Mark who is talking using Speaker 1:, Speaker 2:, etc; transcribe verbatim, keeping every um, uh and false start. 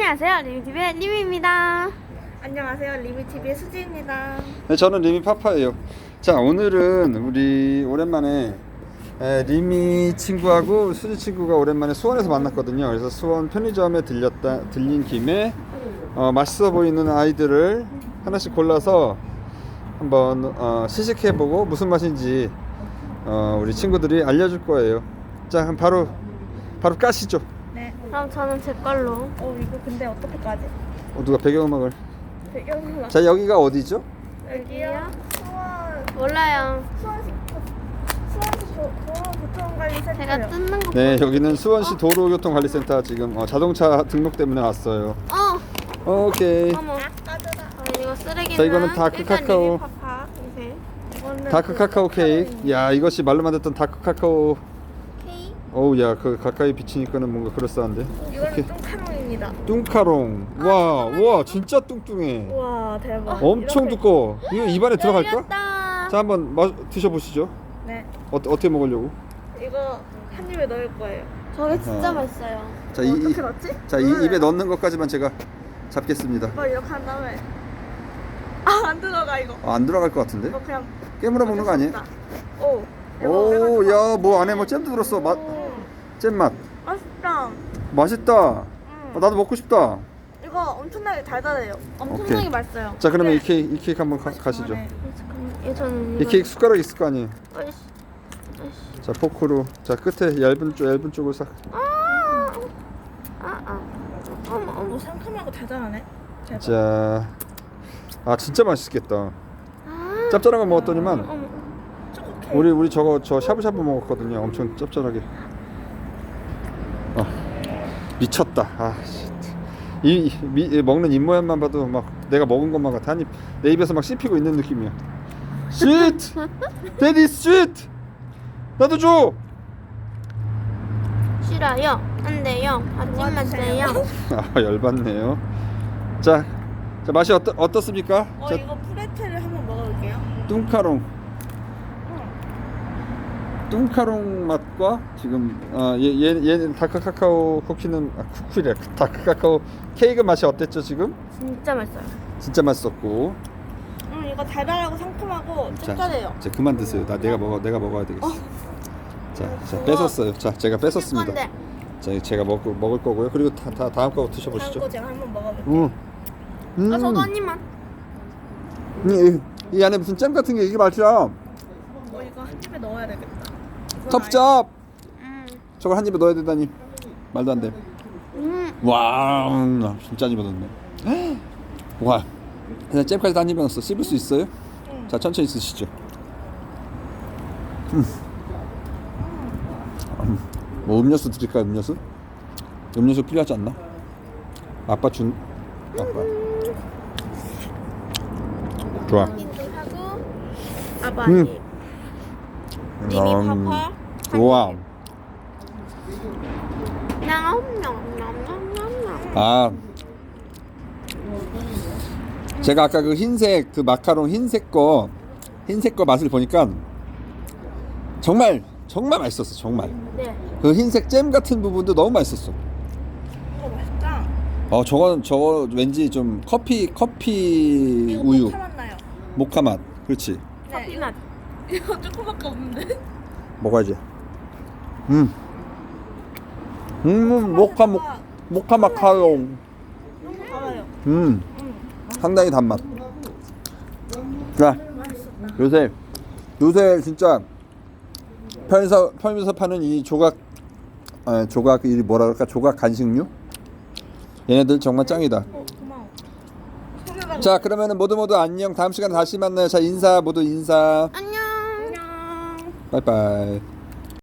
Speaker 1: 안녕하세요, 리미티비의 리미입니다.
Speaker 2: 안녕하세요, 리미티비의 수지입니다.
Speaker 3: 네, 저는 리미 파파예요. 자, 오늘은 우리 오랜만에 에, 리미 친구하고 수지 친구가 오랜만에 수원에서 만났거든요. 그래서 수원 편의점에 들렸다 들린 김에 어, 맛있어 보이는 아이들을 하나씩 골라서 한번 어, 시식해보고 무슨 맛인지 어, 우리 친구들이 알려줄 거예요. 자, 그럼 바로 바로 까시죠.
Speaker 2: 네.
Speaker 1: 그럼 저는 제 걸로.
Speaker 2: 어, 이거 근데 어떻게 까지?
Speaker 3: 어, 누가 배경음악을?
Speaker 2: 배경이
Speaker 3: 자, 여기가 어디죠?
Speaker 2: 여기요? 수원,
Speaker 1: 몰라요.
Speaker 2: 수원시, 수원시 도- 도로교통관리센터요.
Speaker 1: 제가 뜯는 거.
Speaker 3: 네, 여기는 수원시 도로교통관리센터 지금 어, 자동차 등록 때문에 왔어요.
Speaker 1: 어,
Speaker 3: 오케이.
Speaker 1: 어머.
Speaker 2: 까져라.
Speaker 1: 어, 이거 쓰레기는.
Speaker 3: 자, 이거는 다크
Speaker 1: 일단
Speaker 3: 카카오.
Speaker 1: 리미파파. 이제.
Speaker 2: 이거는
Speaker 3: 다크
Speaker 2: 그
Speaker 3: 카카오 케이크. 야, 이것이 말로만 듣던 다크 카카오.
Speaker 2: 케이크.
Speaker 3: 어우, 야, 그 가까이 비치니까는 뭔가 그럴싸한데.
Speaker 2: 이거는 뚱카롱입니다.
Speaker 3: 뚱카롱. 와, 와, 진짜 뚱뚱해.
Speaker 2: 우와, 대박.
Speaker 3: 엄청
Speaker 2: 이렇게-
Speaker 3: 두꺼워. 이거 입안에 들어갈까?
Speaker 1: 열렸다.
Speaker 3: 자, 한번 마, 드셔보시죠.
Speaker 2: 네.
Speaker 3: 어, 어떻게 먹으려고?
Speaker 2: 이거 한 입에 넣을 거예요.
Speaker 1: 저게 진짜
Speaker 3: 어.
Speaker 1: 맛있어요.
Speaker 3: 자, 이, 이,
Speaker 2: 어떻게 넣지?
Speaker 3: 자, 이 입에 넣는 것까지만 제가 잡겠습니다.
Speaker 2: 이거 이렇게 한 다음에 아, 안 들어가 이거.
Speaker 3: 아, 안 들어갈 것 같은데?
Speaker 2: 이거 그냥
Speaker 3: 깨물어 먹는 거 아니에요?
Speaker 2: 오.
Speaker 3: 오, 야, 뭐 안에 뭐 잼도 들었어. 맛,
Speaker 2: 음,
Speaker 3: 잼 맛.
Speaker 2: 맛있다.
Speaker 3: 맛있다. 어, 나도 먹고 싶다.
Speaker 2: 이거 엄청나게 달달해요.
Speaker 1: 엄청나게
Speaker 3: 오케이.
Speaker 1: 맛있어요.
Speaker 3: 자, 그러면
Speaker 2: 네.
Speaker 3: 이 케이크, 이 케이크 한번 가, 가시죠.
Speaker 2: 네.
Speaker 1: 잠깐만. 예, 저는
Speaker 3: 이
Speaker 1: 이거.
Speaker 3: 케이크 숟가락 있을 거 아니에요.
Speaker 1: 어이씨. 어이씨.
Speaker 3: 자, 포크로. 자, 끝에 얇은 쪽, 얇은 쪽을 싹.
Speaker 1: 아, 아, 아. 어머, 어머.
Speaker 2: 오, 상큼하고 달달하네. 대박.
Speaker 3: 자, 아, 진짜 맛있겠다.
Speaker 1: 아,
Speaker 3: 짭짤한 거 먹었더니만
Speaker 1: 어머.
Speaker 2: 초코 케이크.
Speaker 3: 우리 우리 저거 저 샤브샤브 먹었거든요. 엄청 짭짤하게. 아, 미쳤다. 아, 씨. 이, 이 미, 이 먹는 입 모양만 봐도 막 내가 먹은 것만 같아. 한 입 내 입에서 막 씹히고 있는 느낌이야. 스윗, 데디 스윗. 나도 줘.
Speaker 1: 싫어요. 안 돼요. 하지 마세요.
Speaker 3: 아, 열받네요. 자, 자 맛이 어떠, 어떻습니까?
Speaker 2: 어,
Speaker 3: 자,
Speaker 2: 이거 프레첼을 한번 먹어볼게요.
Speaker 3: 뚱카롱. 뚱카롱 맛과 지금 어, 얘, 얘, 얘는 다크 카카오 쿠키는 아, 쿠키래. 다크 카카오 케이크 맛이 어땠죠 지금?
Speaker 1: 진짜 맛있어요.
Speaker 3: 진짜 맛있었고.
Speaker 2: 음, 이거 달달하고 상큼하고 짭짤해요.
Speaker 3: 자, 그만 드세요. 나 내가 먹어 내가 먹어야 되겠어. 자, 자 뺏었어요. 자, 제가 뺏었습니다.
Speaker 1: 건데.
Speaker 3: 자, 제가 먹 먹을 거고요. 그리고 다, 다 다음 거
Speaker 2: 다음
Speaker 3: 드셔보시죠.
Speaker 2: 거 제가 한번 먹어볼게요.
Speaker 3: 음. 음.
Speaker 1: 아, 저도 한 입만.
Speaker 3: 이, 이 안에 무슨 잼 같은 게 이게 맛이야.
Speaker 2: 어, 이거 한 입에 넣어야 되겠다. 이건
Speaker 3: 텁쩝.
Speaker 1: 음.
Speaker 3: 저걸 한 입에 넣어야 된다니 말도 안 돼.
Speaker 1: 음.
Speaker 3: 와, 진짜 한 입에 넣네. 와, 그냥 잼까지 한 입에 넣었어. 씹을 수 있어요?
Speaker 2: 응.
Speaker 3: 자, 천천히 쓰시죠. 음. 음. 뭐 음료수 드릴까요? 음료수? 음료수 필요하지 않나? 아빠 준. 아빠. 좋아.
Speaker 1: 인도 하고.
Speaker 2: 아빠
Speaker 3: 음.
Speaker 2: 아니. 리미
Speaker 3: 음.
Speaker 2: 파파.
Speaker 3: 좋아.
Speaker 1: 냠냠냠냠냠.
Speaker 3: 아, 제가 아까 그 흰색 그 마카롱 흰색 거 흰색 거 맛을 보니까 정말 정말 맛있었어. 정말
Speaker 1: 네.
Speaker 3: 그 흰색 잼 같은 부분도 너무 맛있었어.
Speaker 2: 이거 맛있다.
Speaker 3: 어, 저거는 저거 왠지 좀 커피 커피
Speaker 2: 이거
Speaker 3: 우유
Speaker 2: 모카 맛 나요.
Speaker 3: 모카 맛. 그렇지.
Speaker 2: 네,
Speaker 1: 커피
Speaker 2: 이거,
Speaker 1: 맛.
Speaker 2: 이거 조금밖에 없는데.
Speaker 3: 먹어야지. 음, 음, 모카 모 모카 마카롱.
Speaker 2: 너무 달아요.
Speaker 3: 음,
Speaker 2: 음.
Speaker 3: 상당히 단맛. 자, 요새 요새 진짜 편의점 편의점에서 파는 이 조각 아, 조각 이 뭐라 그럴까 조각 간식류 얘네들 정말 짱이다.
Speaker 2: 어, 고마워. 소개받아.
Speaker 3: 자, 그러면은 모두 모두 안녕. 다음 시간에 다시 만나요. 자, 인사 모두 인사.
Speaker 1: 안녕.
Speaker 2: 안녕.
Speaker 3: 빠이빠이.